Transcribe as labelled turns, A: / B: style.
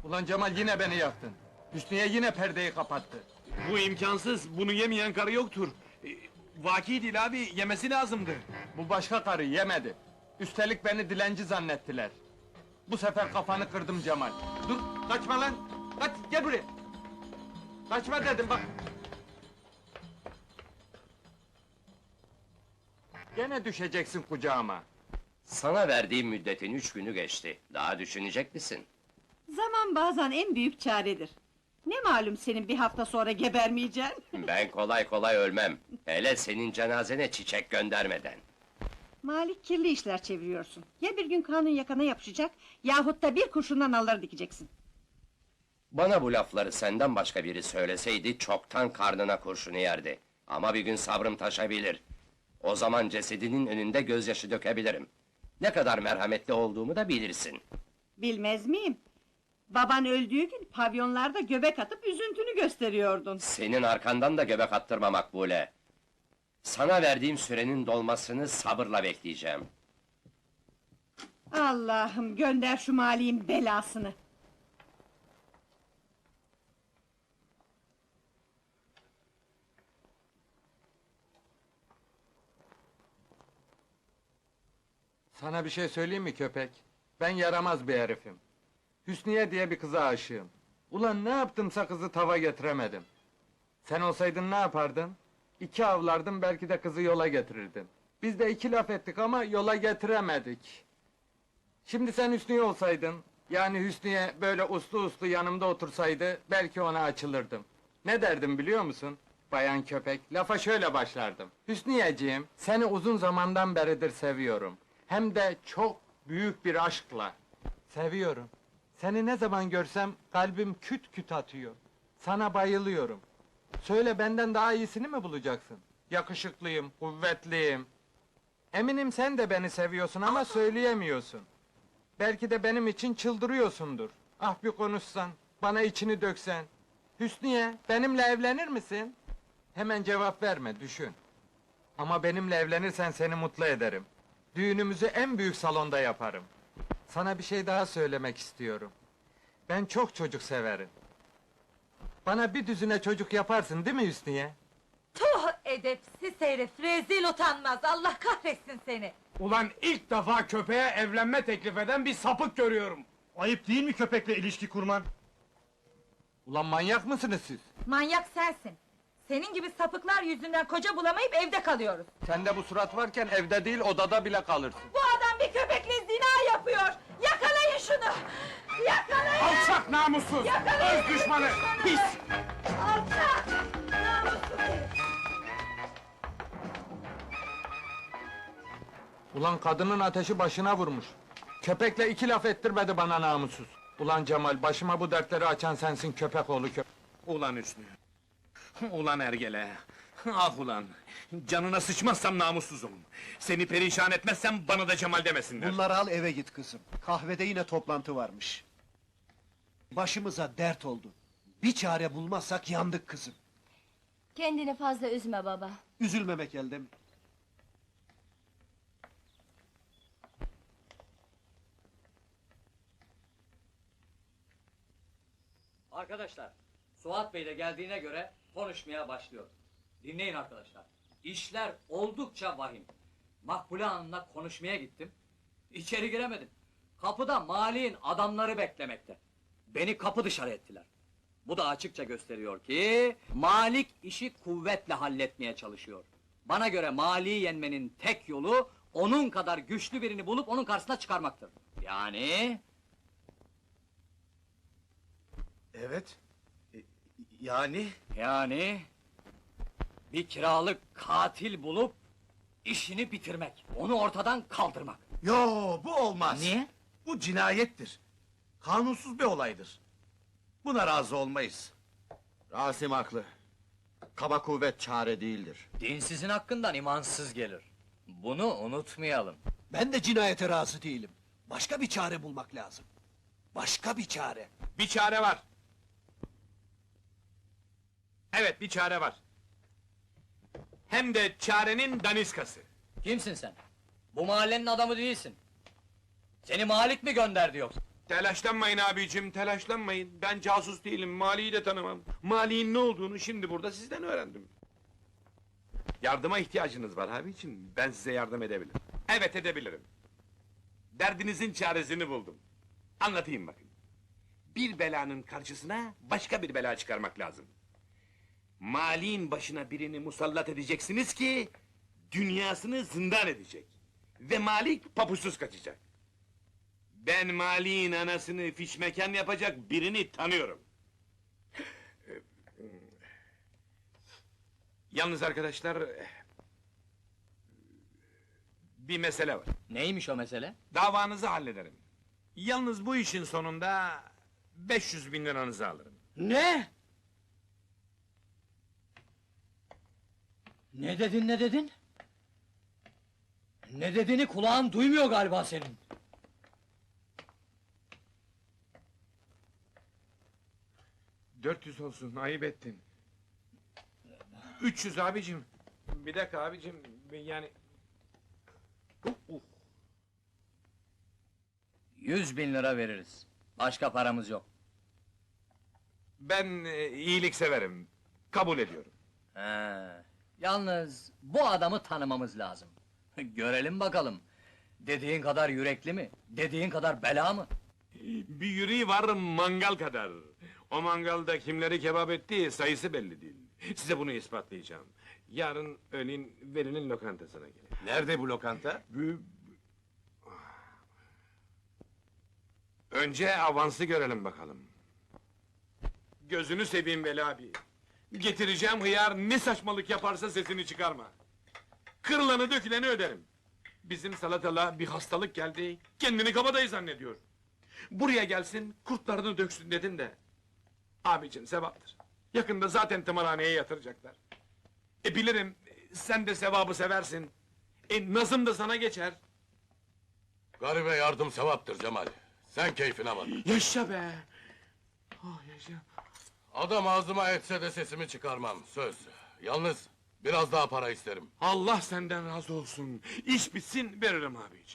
A: Ulan Cemal yine beni yaktın. Hüsnü'ye yine perdeyi kapattı.
B: Bu imkansız, bunu yemeyen karı yoktur. Vaki değil abi, yemesi lazımdı.
A: Bu başka karı yemedi. Üstelik beni dilenci zannettiler. Bu sefer kafanı kırdım Cemal. Dur, kaçma lan! Kaç, gel buraya! Kaçma dedim bak! Gene düşeceksin kucağıma.
C: Sana verdiğim müddetin 3 günü geçti. Daha düşünecek misin?
D: Zaman bazen en büyük çaredir. Ne malum senin bir hafta sonra gebermeyeceksin?
C: Ben kolay kolay ölmem. Hele senin cenazene çiçek göndermeden.
D: Malik kirli işler çeviriyorsun. Ya bir gün kanun yakana yapışacak, yahut da bir kurşundan alır dikeceksin.
C: Bana bu lafları senden başka biri söyleseydi, çoktan karnına kurşunu yerdi. Ama bir gün sabrım taşabilir. O zaman cesedinin önünde gözyaşı dökebilirim. Ne kadar merhametli olduğumu da bilirsin.
D: Bilmez miyim? Baban öldüğü gün pavyonlarda göbek atıp üzüntünü gösteriyordun.
C: Senin arkandan da göbek attırma Makbule. Sana verdiğim sürenin dolmasını sabırla bekleyeceğim.
D: Allah'ım gönder şu Malik'in belasını.
A: Sana bir şey söyleyeyim mi köpek? Ben yaramaz bir herifim. Hüsniye diye bir kıza aşığım. Ulan ne yaptımsa kızı tava getiremedim. Sen olsaydın ne yapardın? 2 avlardın, belki de kızı yola getirirdin. Biz de 2 laf ettik ama yola getiremedik. Şimdi sen Hüsniye olsaydın, yani Hüsniye böyle uslu uslu yanımda otursaydı, belki ona açılırdım. Ne derdim biliyor musun? Bayan köpek, lafa şöyle başlardım. Hüsniyeciğim, seni uzun zamandan beridir seviyorum. Hem de çok büyük bir aşkla. Seviyorum. Seni ne zaman görsem kalbim küt küt atıyor. Sana bayılıyorum. Söyle, benden daha iyisini mi bulacaksın? Yakışıklıyım, kuvvetliyim. Eminim sen de beni seviyorsun ama söyleyemiyorsun. Belki de benim için çıldırıyorsundur. Ah bir konuşsan, bana içini döksen. Hüsniye, benimle evlenir misin? Hemen cevap verme, düşün. Ama benimle evlenirsen seni mutlu ederim. Düğünümüzü en büyük salonda yaparım. Sana bir şey daha söylemek istiyorum. Ben çok çocuk severim. Bana bir düzine çocuk yaparsın değil mi Hüsniye?
E: Tuh edepsiz herif, rezil utanmaz, Allah kahretsin seni!
B: Ulan ilk defa köpeğe evlenme teklif eden bir sapık görüyorum.
F: Ayıp değil mi köpekle ilişki kurman?
A: Ulan manyak mısınız siz?
E: Manyak sensin! Senin gibi sapıklar yüzünden koca bulamayıp evde kalıyoruz!
A: Sende bu surat varken evde değil odada bile kalırsın.
E: Bu adam bir köpekle zina yapıyor! Yakalayın şunu! Yakalayın!
B: Alçak namussuz!
E: Yakalayın!
B: Öz düşmanı! Pis!
E: Alçak! Namussuz herif!
A: Ulan kadının ateşi başına vurmuş. Köpekle 2 laf ettirmedi bana namussuz. Ulan Cemal, başıma bu dertleri açan sensin köpek oğlu
B: Ulan Hüsnü! Ulan Ergele! Ah ulan! Canına sıçmazsam namussuzum! Seni perişan etmezsem bana da Cemal demesinler!
F: Bunları al eve git kızım. Kahvede yine toplantı varmış. Başımıza dert oldu. Bir çare bulmazsak yandık kızım.
G: Kendini fazla üzme baba.
F: Üzülmemek elde mi?
H: Arkadaşlar, Suat Bey de geldiğine göre konuşmaya başlıyor. Dinleyin arkadaşlar, işler oldukça vahim. Makbule Hanım'la konuşmaya gittim. İçeri giremedim. Kapıda Malik'in adamları beklemekte. Beni kapı dışarı ettiler. Bu da açıkça gösteriyor ki Malik işi kuvvetle halletmeye çalışıyor. Bana göre Malik'i yenmenin tek yolu onun kadar güçlü birini bulup onun karşısına çıkarmaktır. Yani
F: Evet. Yani?
H: bir kiralık katil bulup işini bitirmek, onu ortadan kaldırmak.
I: Yo, bu olmaz.
H: Niye?
I: Bu cinayettir. Kanunsuz bir olaydır. Buna razı olmayız. Rasim haklı. Kaba kuvvet çare değildir.
H: Dinsizin hakkından imansız gelir. Bunu unutmayalım.
F: Ben de cinayete razı değilim. Başka bir çare bulmak lazım. Başka bir çare.
B: Bir çare var! Evet, bir çare var. Hem de çarenin daniskası.
H: Kimsin sen? Bu mahallenin adamı değilsin. Seni Malik mi gönderdi yoksa?
B: Telaşlanmayın abicim, telaşlanmayın. Ben casus değilim, Mali'yi de tanımam. Mali'nin ne olduğunu şimdi burada sizden öğrendim. Yardıma ihtiyacınız var abicim, ben size yardım edebilirim. Evet, edebilirim. Derdinizin çaresini buldum. Anlatayım bakın. Bir belanın karşısına başka bir bela çıkarmak lazım. Mali'nin başına birini musallat edeceksiniz ki... ...dünyasını zindan edecek. Ve Malik papuçsuz kaçacak. Ben Mali'nin anasını fişmekan yapacak birini tanıyorum. Yalnız arkadaşlar... ...bir mesele var.
H: Neymiş o mesele?
B: Davanızı hallederim. Yalnız bu işin sonunda... ...500.000 liranızı alırım.
H: Ne? Ne dedin, ne dedin? Ne dediğini kulağın duymuyor galiba senin.
B: 400 olsun, ayıp ettin. 300 abicim. Bir dakika abicim, yani...
H: 100.000 lira veririz. Başka paramız yok.
B: Ben iyilik severim. Kabul ediyorum.
H: He. Yalnız bu adamı tanımamız lazım. Görelim bakalım. Dediğin kadar yürekli mi? Dediğin kadar bela mı?
B: Bir yüreği var mangal kadar. O mangalda kimleri kebap ettiği sayısı belli değil. Size bunu ispatlayacağım. Yarın öğleyin verinin lokantasına gelin.
I: Nerede bu lokanta?
B: Önce avansı görelim bakalım. Gözünü seveyim Veli abi. Getireceğim hıyar ne saçmalık yaparsa sesini çıkarma. Kırılanı döküleni öderim. Bizim salatalığa bir hastalık geldi, kendini kabadayı zannediyor. Buraya gelsin, kurtlarını döksün dedin de. Abicim sevaptır. Yakında zaten tımarhaneye yatıracaklar. Bilirim, sen de sevabı seversin. Nazım da sana geçer.
J: Garibe yardım sevaptır Cemal. Sen keyfine bak.
B: Yaşa be! Oh yaşa!
J: Adam ağzıma etse de sesimi çıkarmam, söz. Yalnız biraz daha para isterim.
B: Allah senden razı olsun. İş bitsin veririm abiciğim.